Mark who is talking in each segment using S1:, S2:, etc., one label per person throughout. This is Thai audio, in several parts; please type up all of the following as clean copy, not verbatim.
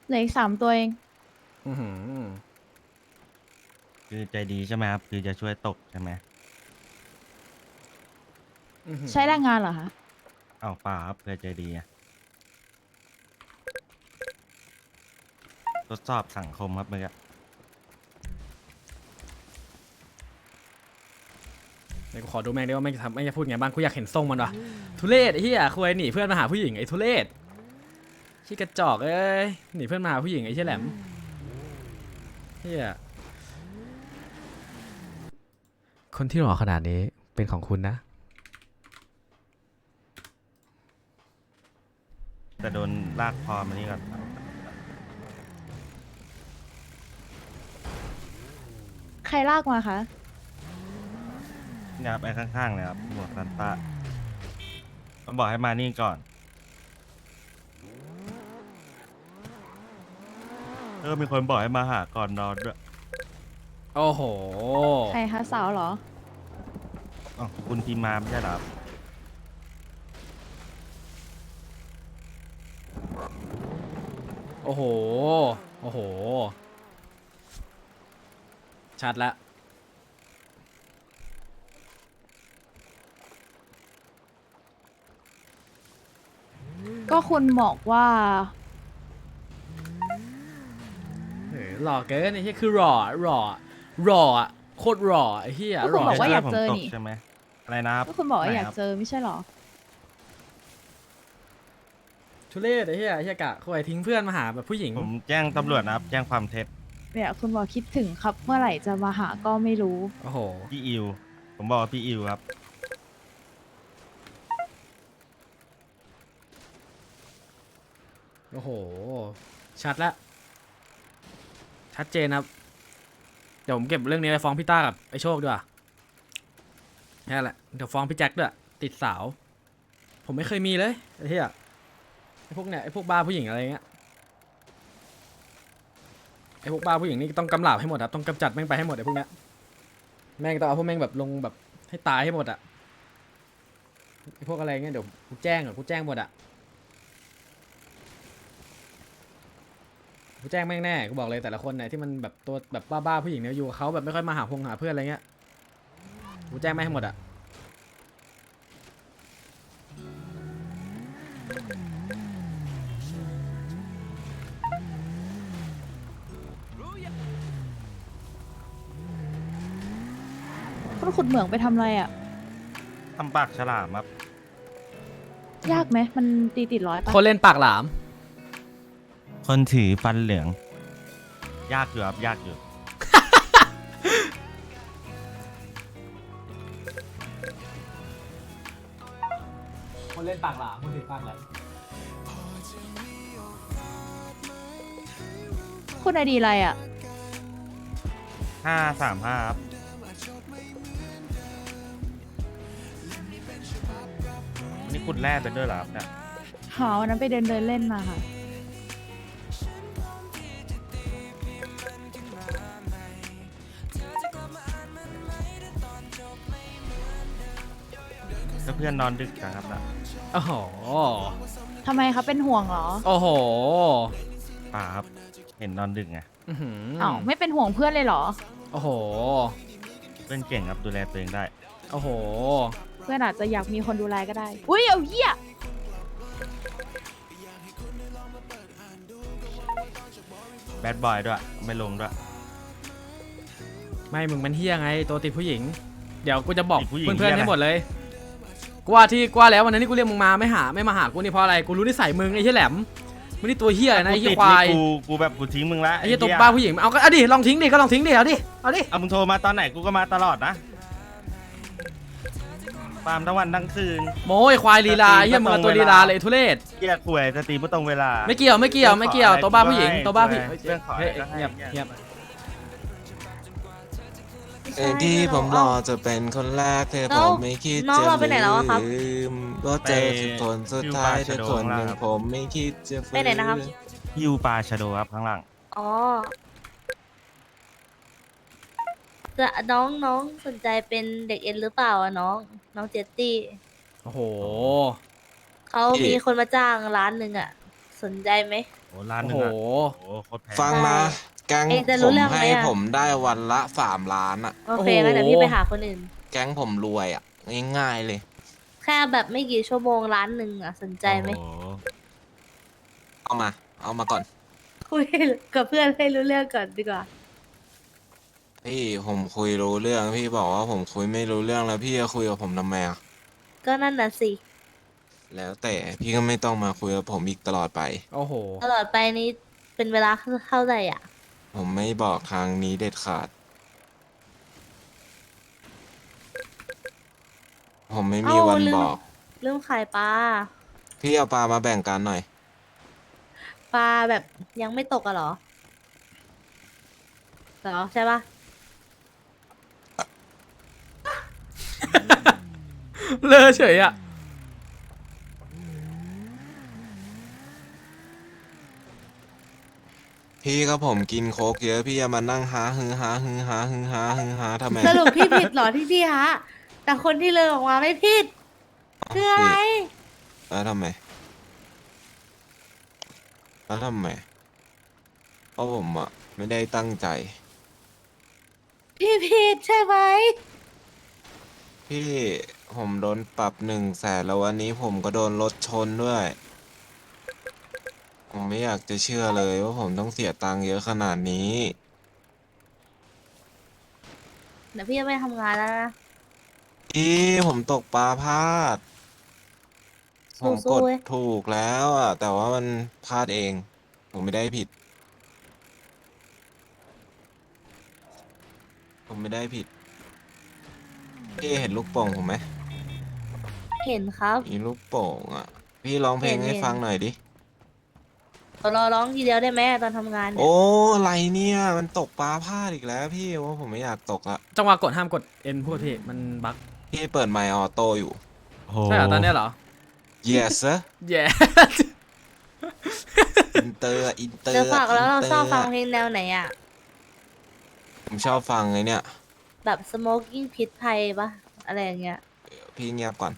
S1: เหลืออีก3 ตัวเอง
S2: อือหือ
S3: คือใจดีใช่ไหมครับคือจะช่วยตกใช่ไหม
S2: อื้อหือ
S1: ใช้แรงงานเหรอคะ
S3: อ้าวเปล่าครับเพื่อใจดีอะทดสอบสังคมครับเมื่อกี้
S2: เดี๋ยวกูขอดูแม่งได้ว่าแม่งจะทำแม่งจะพูดไงบ้างกูอยากเห็นทรงมันว่ะทุเรศไอ้เหี้ยคุยหนีเพื่อนมาหาผู้หญิงไอ้ทุเรศขี้กระจอกเอ้ยหนีเพื่อนมาหาผู้หญิงไอ้เชี่ยแหลมเหี้ยคนที่หล่อขนาดนี้เป็นของคุณนะ
S3: แต่โดนลากคอมานี่ก่อน
S1: ใครลากมาคะ
S3: เนี่ยครับไอ้ข้างๆเลยครับหมวกซันต้ามันบอกให้มานี่ก่อนมีคนบอกให้มาหาก่อนนอนด้วย
S2: โอ้โห
S1: ใครคะสาวเหรอ
S3: อ๋อคุณพิมพ์มาไม่ใช่เหรอครับ
S2: โอ้โห โอ้โห ชัดแล้ว
S1: ก็คุณบอกว่า
S2: หล่อเกินไอ้เหี้ยคือหล่อหล่อหล่ออะโคตรหล่อไอ้เหี้ย
S1: ก็
S2: ห
S1: คุณ
S2: ล่อ
S1: บอกว่า
S2: ชั
S1: อยา
S2: ด
S1: ก
S3: ผม
S1: เจอ
S3: ตก
S1: นี่
S3: ใช่ไหมอะไรนะครับ
S1: ก็คุณบอกว่าอยาก
S3: ไหนครับ
S1: เจอไม่ใช่เหรอ
S2: ทุเรศไอ้เหี้ยไอ้เหี้ยกะคุยทิ้งเพื่อนมาหาแบบผู้หญิง
S3: ผมแจ้งตำรวจนะครับแจ้งความเท็จ
S1: เนี่ยคุณบอกคิดถึงครับ เมื่อไหร่จะมาหาก็ไม่รู้
S2: โอ้โห
S3: พี่อิวผมบอกว่าพี่อิวครับ
S2: โอ้โห ชัดแล้ว ชัดเจนครับ เดี๋ยวผมเก็บเรื่องนี้ไปฟ้องพี่ต้ากับไอ้โชคด้วยนี่นแหละ เดี๋ยวฟ้องพี่แจ็คด้วย ติดสาว ผมไม่เคยมีเลยไอ้เหี้ยไอ้พวกเนี้ยไอ้พวกบ้าผู้หญิงอะไรเงี้ย ไอ้พวกบ้าผู้หญิงนี่ต้องกำราบให้หมดครับต้องกำจัดแม่งไปให้หมดไอ้พวกเนี้ยแม่งต้องเอาพวกแม่งแบบลงแบบให้ตายให้หมดอะไอ้พวกอะไรเงี้ยเดี๋ยวกูแจ้งกูแจ้งหมดอะกูแจ้งแม่งแน่กูบอกเลยแต่ละคนเนี่ยที่มันแบบตัวแบบบ้าๆผู้หญิงเนี่ยอยู่กับเขาแบบไม่ค่อยมาหาหาเพื่อนอะไรเงี้ยกูแจ้งแม่งให้หมดอะ
S1: คุณขุดเหมืองไปทำอะไรอ่ะ
S3: ทำปากฉลามครับ
S1: ยากไหม มันตีติดร้อยปะ
S2: คนเล่นปากหลาม
S3: คนถือฟันเหลือง ยากอยู่ครับยากอยู่
S2: คนเล่นปากหลามคนถือปากหลาม
S1: คุณไอดีอะไรอ่ะ
S3: 535ครับนี่คุณแร่ไปด้วยเหรอครับเนี่ย
S1: หาวันนั้นไปเดินเล่นมาค่ะ
S3: แล้วเพื่อนนอนดึกจังครับนะ
S2: โอ้โห
S1: ทำไมคะเป็นห่วงเหรอ
S2: โอ้โห
S3: ป่าครับ เห็นนอนดึกไง
S2: อื้อหือ
S1: อ้าวไม่เป็นห่วงเพื่อนเลยเหรอ
S2: โอ้โห
S3: เพื่อนเก่งครับดูแลตัวเองได้
S2: โอ้โห
S1: เพื่อนอาจจะอยากมีคนดูแลก็ได้ อุ้ยเอาเหี้ย
S3: แบดบอยด้วย ไม่ลงด้วย
S2: ไม่มึงมันเฮี้ยไงตัวติดผู้หญิง เดี๋ยวกูจะบอก
S3: ติดผู้หญิง
S2: เพื่อนๆ
S3: เหี้ยอะไร
S2: ให้หมดเลยกูว่าที่กูว่าแล้ววันนั้นที่กูเรียกมึงมาไม่มาหากูนี่เพราะอะไรกูรู้นิสัยมึงไอ้เหี้ยแหลมมึงนี่ตัวเฮี้ยนะไอ้เหี้ย
S3: ติด
S2: ควาย
S3: นี่กูแบบกูทิ้งมึงละ
S2: ไอ้เหี้ยตัวบ้าผู้หญิงเอาก็เอาดิลองทิ้งดิก็ลองทิ้งดิเอาดิเอาดิ
S3: เอามึงโทรมาตอนไหนกูก็มาตลอดนะตามทั้งวันทั้งคืน
S2: โม้ยควายลีลาไอ้เหี้ยมึงเอาตัวลีลาเลยไอ้ทุเรศ
S3: เกียร์ข่วยสตรีไม่ตรงเวลา
S2: ไม่เกี่ยวตัวบ้าผู้หญิงตัวบ้าผู้หญิง
S3: เรื่องขออะไร
S2: เฮ้ย
S3: ก็ให้
S2: เงียบเงียบ
S4: เองที่ผมรอจะเป็นคนแรกเธอผมไม่คิด
S5: น้อง
S4: จะ
S5: เราไปไหนแล้วอะครับ
S4: ลืมว่าเจอทุกคนสุดท้ายเธอคนหนึ่งผมไม่คิดจะฟื้
S5: ไปไหนนะครับ
S3: ยูปลาชะโดครับข้างหลัง
S5: อ๋อจะน้องสนใจเป็นเด็กเอ็นหรือเปล่าอะน้องเจตตี้
S2: โอ้โห
S5: เขามีคนมาจ้าง1 ล้านอะสนใจไหม
S3: โอ้ล้านห
S2: โอ้
S3: นึ่
S2: โห
S3: งอะโอ้โคตรแพง
S4: ฟังนะแก๊ง
S5: เองจะ
S4: ผ
S5: รู้
S4: ม
S5: เรื่องไหม
S4: ให้
S5: อะ
S4: ผมได้วันละ3 ล้านอ่ะ
S5: โอเค
S2: โอ้โห
S5: งั้นเดี๋ยวพี่ไปหาคนอื่น
S4: แก๊งผมรวยอ่ะง่ายๆเลย
S5: แค่แบบไม่กี่ชั่วโมงล้านหนึ่งอ่ะสนใจไหม
S3: โอ้โ
S4: เอามา เอามาก่อน
S5: คุยกับเพื่อนให้รู้เรื่องก่อนดีกว่า
S4: พี่ผมคุยรู้เรื่องพี่บอกว่าผมคุยไม่รู้เรื่องแล้วพี่จะคุยกับผมทำไมอ่ะ
S5: ก็นั่นน่ะสิ
S4: แล้วแต่พี่ก็ไม่ต้องมาคุยกับผมอีกตลอดไป
S2: โอ้โห
S5: ตลอดไปนี้เป็นเวลาเท่าไหร่อ่ะ
S4: ผมไม่บอกทางนี้เด็ดขาด ผมไม่มี
S5: เอ้า
S4: วัน
S5: ลืม
S4: บอก
S5: เรื่องขายปลา
S4: พี่เอาปลามาแบ่งกันหน่อย
S5: ปลาแบบยังไม่ตกอะเหรอเหรอใช่ปะ
S2: เลอะเฉยอ่ะ
S4: พี่ก็ผมกินโค้กเยอะพี่จะมานั่งหาฮือหาฮือหาฮือหาฮือหาทำไม
S5: สรุปพี่ผิดเหรอที่พี่ฮะ แต่คนที่เลยออกมาไม่ผิด คืออะไร
S4: แล้วทำไม แล้วทำไม เพราะผมอ่ะไม่ได้ตั้งใจ
S5: พี่ผิดใช่ไหม
S4: พี่ผมโดนปรับ100,000แล้ววันนี้ผมก็โดนรถชนด้วย ผมไม่อยากจะเชื่อเลยว่าผมต้องเสียตังค์เยอะขนาดนี้
S5: เดี๋ยวพี่จะไปทำงานแล้วนะ
S4: พี่ผมตกปลาพลาด ผมก
S5: สู้
S4: ด
S5: ๆเว้ย
S4: ถูกแล้วอ่ะ แต่ว่ามันพลาดเอง ผมไม่ได้ผิด ผมไม่ได้ผิด พี่เห็นลูกโป่งผมไหม
S5: เห็นครับ
S4: มีลูกโป่งอ่ะ พี่ร้องเพลงให้
S5: เห็น
S4: ฟังหน่อยดิ
S5: รอร้องทีเดียวได้ไหมตอนทำงานเนี่ย
S4: โอ้อะไรเนี่ย มันตกปลาพลาดอีกแล้วพี่ว่าผมไม่อยากตกละ
S2: จังหวะกดห้ามกด N พูดพี่ มันบั๊ก
S4: พี่เปิดไมค์ออโต้อยู่
S3: โห
S2: ใช่เหรอตอนเนี้ยเหรอ
S4: yes sir
S2: แย่
S4: อินเตอร์อินเตอร์
S5: เดี๋ยวฝากแล้วเรา
S4: นต
S5: ชอบฟังเพลงแนวไหนอ่ะ
S4: ผมชอบฟังไอ้เนี่ย
S5: แบบ smoking พิษภัยปะอะไรอย่างเงี้ย
S4: พี่เงียบก่อน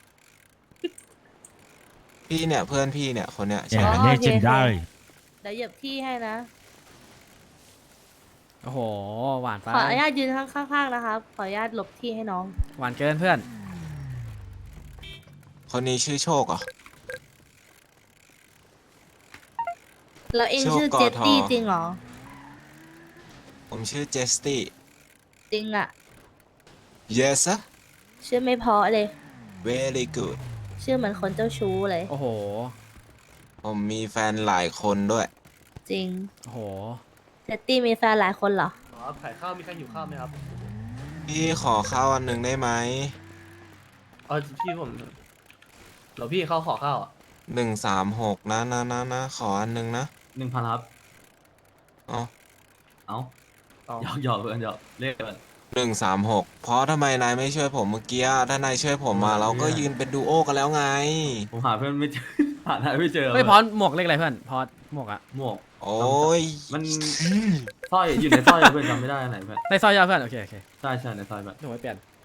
S4: พี่เนี่ยเพื่อนพี่เนี่ยคนเนี้ย
S3: แย่
S4: ใช่
S5: อ๋อ
S3: เลเจนได้
S5: เดี๋ยวเหยียบที่ให้นะ
S2: โอ้โห หวานไป
S5: ขออนุญาตยืนข้างๆนะครับ ขออนุญาตหลบที่ให้น้อง
S2: หวานเกินเพื่อน
S4: คนนี้ชื่อโชคเหรอ
S5: แล้วเอง
S4: โชค
S5: ชื่อก
S4: อ
S5: เจตตี้
S4: ทอ
S5: จริงเหรอ
S4: ผมชื่อเจสตี้
S5: จริงอ่ะ
S4: yes sir
S5: ชื่อไม่เพราะเลย
S4: very good
S5: ชื่อเหมือนคนเจ้าชู้เลย
S2: โอ้โห
S4: ผมมีแฟนหลายคนด้วย
S5: จริง
S2: โอ้โห
S5: เจตตี้มีแฟนหลายคนเหรอ
S6: ครับขายข้าวมีใครหิวข้าวไหมครับ
S4: พี่ขอข้าวอันหนึ่งได้ไหม
S6: พี่ผมเดี๋ยวพี่เขาขอข้าวอ่ะ
S4: 136นะขออันหนึ่งนะ
S6: 1,000ครับ
S4: อ๋อ
S6: เอาหยอกเพื่อนหยอกเลขกัน
S4: 136เพราะทำไมนายไม่ช่วยผมเมื่อกี้อะถ้านายช่วยผมมาเราก็ยืนเป็นดูโอกันแล้วไง
S6: ผมหาเพื่อนไม่เจอ หาได้ไม่เจอ
S2: เฮ้ยพอดหมวกเลขอะไรเพื่อน พอดหมวกอะ
S6: หมวก
S4: โอ้ย
S6: มันสร้อยอยู่ในสร้อยเพื่อนจำไม่ได้อันไหนเพื่อน
S2: ในซอยยาวเพื่อน โอเค โอเค
S6: ใช่ในซอยแบบ
S2: เดี๋ยวไว้เปลี่ยน